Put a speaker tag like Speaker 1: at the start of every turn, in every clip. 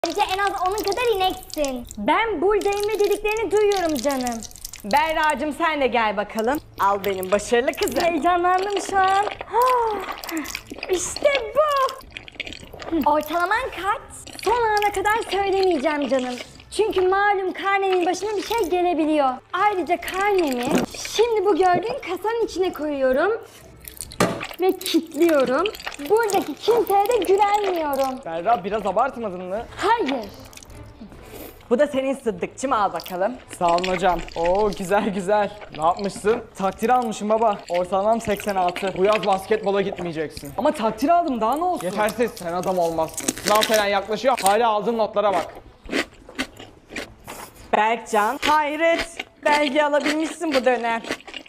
Speaker 1: Ayrıca en az onun kadar ineksin. Ben buradayım ve dediklerini duyuyorum canım.
Speaker 2: Berra'cığım sen de gel bakalım. Al benim başarılı kızım.
Speaker 1: Heyecanlandım şu an. İşte bu. Ortalaman kaç? Son ana kadar söylemeyeceğim canım. Çünkü malum karnemin başına bir şey gelebiliyor. Ayrıca karnemi şimdi bu gördüğün kasanın içine koyuyorum. Ve kilitliyorum. Buradaki kimseye de güvenmiyorum.
Speaker 3: Berra biraz abartmadın mı?
Speaker 1: Hayır.
Speaker 2: Bu da senin Sıddıkçım, al bakalım.
Speaker 3: Sağ olun hocam. Oo güzel güzel. Ne yapmışsın? Takdir almışım baba. Ortalamam 86. Bu yaz basketbola gitmeyeceksin.
Speaker 2: Ama takdir aldım, daha ne olsun?
Speaker 3: Yetersiz, sen adam olmazsın. Sınav falan yaklaşıyor. Hala aldığın notlara bak.
Speaker 2: Berkcan, hayret. Belge alabilmişsin bu dönem.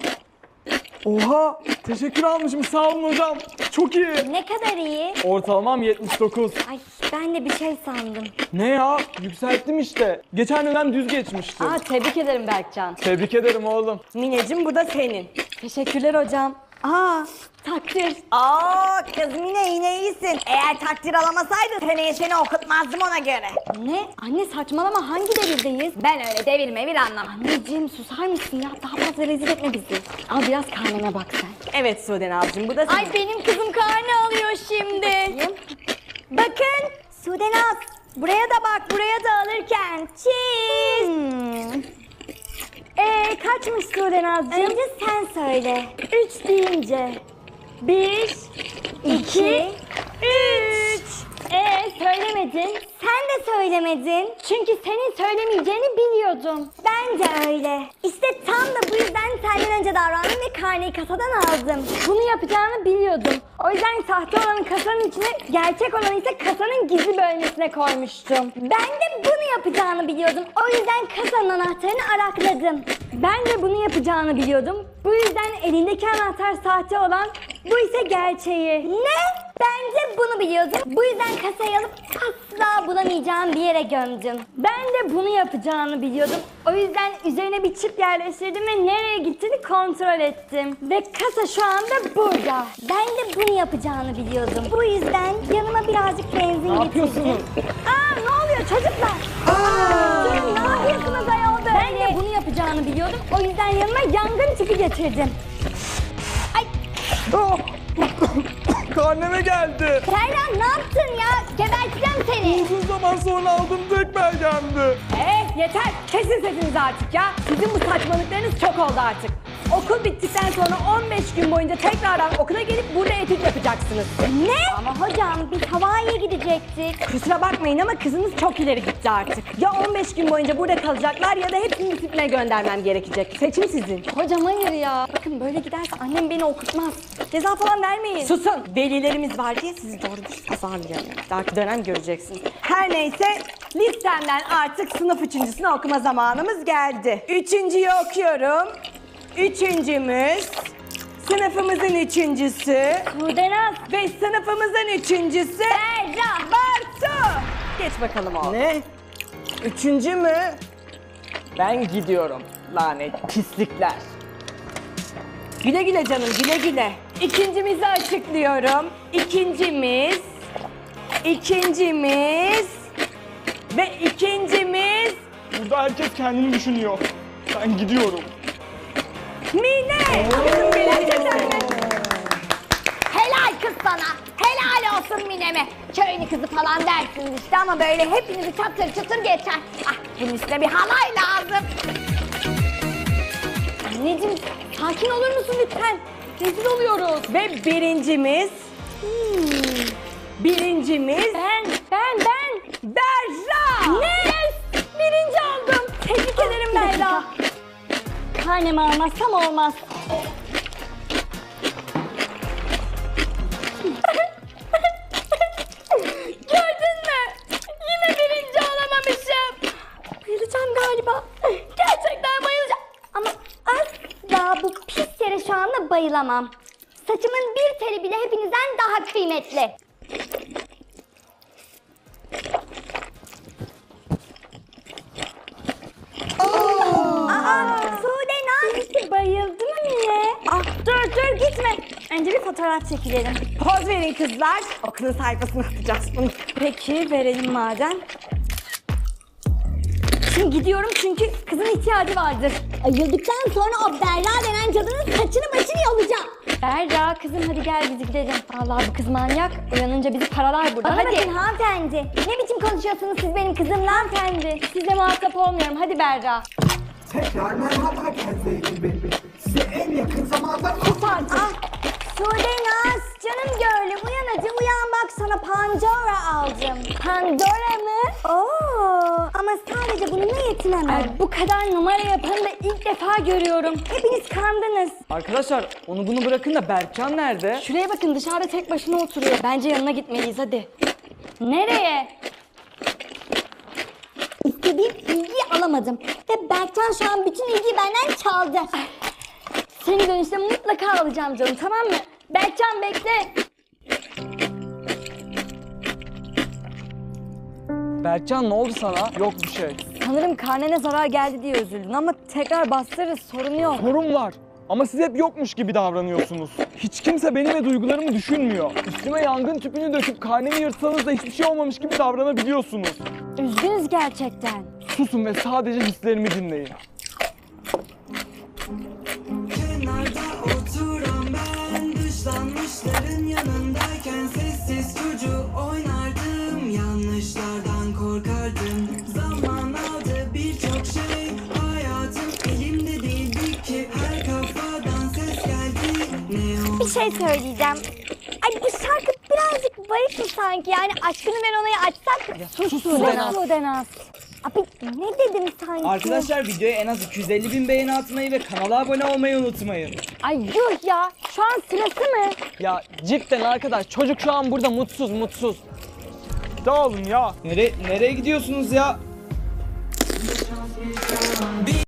Speaker 3: Oha! Teşekkür almışım. Sağ olun hocam. Çok iyi.
Speaker 1: Ne kadar iyi.
Speaker 3: Ortalamam 79.
Speaker 1: Ay ben de bir şey sandım.
Speaker 3: Ne ya? Yükselttim işte. Geçen dönem düz geçmişti.
Speaker 2: Aa, tebrik ederim Berkcan.
Speaker 3: Tebrik ederim oğlum.
Speaker 2: Mineciğim, bu da senin.
Speaker 1: Teşekkürler hocam.
Speaker 2: Aa,
Speaker 1: Takdir.
Speaker 2: aa kız Mine yine iyisin. Eğer takdir alamasaydın seneye seni okutmazdım ona göre.
Speaker 1: Ne? Anne saçmalama, hangi devirdeyiz?
Speaker 2: Ben öyle devir mevir anlamam.
Speaker 1: Anneciğim susar mısın ya? Daha fazla rezil etme bizi. Al biraz karnına bak sen.
Speaker 2: Evet Suuden abicim, bu da senin.
Speaker 1: Ay benim kızım karnı alıyor şimdi. Bakın Sudenaz. Buraya da bak, buraya da alırken. Cheese. Kaçmış Sudenaz'cığım? Önce sen söyle. 3 deyince. 1, 2, 3. Söylemedin. Sen de söylemedin. Çünkü senin söylemeyeceğini biliyordum. Ben de öyle. İşte tam da bu yüzden senden önce davrandım ve karneyi kasadan aldım. Bunu yapacağını biliyordum. O yüzden sahte olanı kasanın içine, gerçek olanı ise kasanın gizli bölmesine koymuştum. Ben de bunu yapacağını biliyordum. O yüzden kasanın anahtarını arakladım. Ben de bunu yapacağını biliyordum. Bu yüzden elindeki anahtar sahte olan, bu ise gerçeği. Ne? Ben de bunu biliyordum. Bu yüzden kasayı alıp asla bulamayacağım bir yere gömdüm. Ben de bunu yapacağını biliyordum. O yüzden üzerine bir çip yerleştirdim ve nereye gittiğini kontrol ettim. Ve kasa şu anda burada. Ben de bunu yapacağını biliyordum. Bu yüzden yanıma birazcık benzin getirdim.
Speaker 3: yapıyorsunuz?
Speaker 1: Ne oluyor çocuklar? Durun, ne yapıyorsunuz ayol böyle? Ben de bunu yapacağını biliyordum. O yüzden yanıma yangın tüpü getirdim. Ay
Speaker 3: Oh! Karneme geldi.
Speaker 1: Serhan, ne yaptın ya? Geberteceğim seni.
Speaker 3: Uzun zaman sonra aldığım tek belgemdi.
Speaker 2: Yeter, kesin sesinizi artık ya. Sizin bu saçmalıklarınız çok oldu artık. Okul bittikten sonra 15 gün boyunca tekrardan okula gelip burada etüt yapacaksınız.
Speaker 1: Ne? Ama hocam biz Hawaii'ye gidecektik.
Speaker 2: Kusura bakmayın ama kızınız çok ileri gitti artık. Ya 15 gün boyunca burada kalacaklar ya da hepsini disipline göndermem gerekecek. Seçim sizin.
Speaker 1: Hocam hayır ya. Bakın böyle giderse annem beni okutmaz. Ceza falan vermeyin.
Speaker 2: Susun. Velilerimiz var diye sizi doğru dürüst azarlayamıyorum. Dahaki dönem göreceksiniz. Her neyse listemden artık sınıf üçüncüsünü okuma zamanımız geldi. Üçüncüyü okuyorum. Üçüncümüz, sınıfımızın üçüncüsü
Speaker 1: Sudenaz.
Speaker 2: ve sınıfımızın üçüncüsü
Speaker 1: Berra.
Speaker 2: Bartu. Geç bakalım oğlum.
Speaker 3: Ne? Üçüncü mü? Ben gidiyorum. Lanet pislikler.
Speaker 2: Güle güle canım, güle güle. İkincimizi açıklıyorum. İkincimiz ve ikincimiz
Speaker 3: Burada herkes kendini düşünüyor. Ben gidiyorum.
Speaker 2: Mine. Kızım benim canım.
Speaker 1: Helal kız sana. Helal olsun Mine'me. Köyünü kızı falan dersiniz işte ama böyle hepinizi çatır çatır geçer. Ah, bunun üstüne bir halay lazım. Anneciğim sakin olur musun lütfen? Rezil oluyoruz.
Speaker 2: Ve birincimiz
Speaker 1: Ben.
Speaker 2: Berra.
Speaker 1: Ne? Yes! Birinci oldum. Tebrik ederim Berra. Karnemi almazsam olmaz. Gördün mü? Yine birinci olamamışım. Bayılacağım galiba. Gerçekten bayılacağım. Ama asla bu pis yere şu anda bayılamam. Saçımın bir teli bile hepinizden daha kıymetli. Sude, bayıldı mı Mine? Dur gitme. Önce bir fotoğraf çekilelim.
Speaker 2: Poz verin kızlar. Okulun sayfasına atacağız bunu.
Speaker 1: Peki verelim madem. Şimdi gidiyorum çünkü kızın ihtiyacı vardır. Ayıldıktan sonra o Berra denen cadının saçını başını yolacağım. Berra kızım hadi gel biz gidelim. Vallahi bu kız manyak. Uyanınca bizi paralar burada. Hadi. Bakın hanımefendi. Ne biçim konuşuyorsunuz siz benim kızımla? Hanımefendi. Sizle muhatap olmuyorum. Hadi Berra.
Speaker 4: Tekrar merhaba Kenze ekibi. Size en yakın zamanda
Speaker 1: Sus artık. Sudenaz canım gönlüm uyan hadi uyan bak sana Pandora aldım. Pandora mı? Oo, ama sadece bununla yetinemem. Bu kadar numara yapanı da ilk defa görüyorum. Hepiniz kandınız.
Speaker 3: Arkadaşlar onu bunu bırakın da Berkcan nerede?
Speaker 1: Şuraya bakın dışarıda tek başına oturuyor. Bence yanına gitmeliyiz hadi. Nereye? İstediğim ilgiyi alamadım. Ve Berkcan şu an bütün ilgiyi benden çaldı. Seni dönüşte mutlaka alacağım canım tamam mı? Berkcan bekle.
Speaker 3: Berkcan ne oldu sana? Yok bir şey.
Speaker 1: Sanırım karnene zarar geldi diye üzüldün ama tekrar bastırırız sorun yok.
Speaker 3: Sorun var. Ama siz hep yokmuş gibi davranıyorsunuz. Hiç kimse benim ve duygularımı düşünmüyor. Üstüme yangın tüpünü döküp karnemi yırtsanız da hiçbir şey olmamış gibi davranabiliyorsunuz.
Speaker 1: Üzgünüz gerçekten.
Speaker 3: Susun ve sadece hislerimi dinleyin.
Speaker 5: Kenarda oturan ben, dışlanmışların yanındayken sessiz çocuğu oynardım. Yanlışlardan korkardım. Zaman aldı birçok şey, hayatım elimde değildi ki. Her kafadan ses geldi. Ne
Speaker 1: Bir şey söyleyeceğim. Ay bu şarkı birazcık bayık mı sanki? Yani aşkını ben ona açsak. Sus
Speaker 3: Sudenaz.
Speaker 1: Sudenaz. Abi ne dedim sanki?
Speaker 6: Arkadaşlar videoya en az 250.000 beğeni atmayı ve kanala abone olmayı unutmayın.
Speaker 1: Ay yuh ya şu an sırası mı?
Speaker 3: Ya cidden arkadaş çocuk şu an burada mutsuz. Dağılın ya.
Speaker 6: Nereye gidiyorsunuz ya?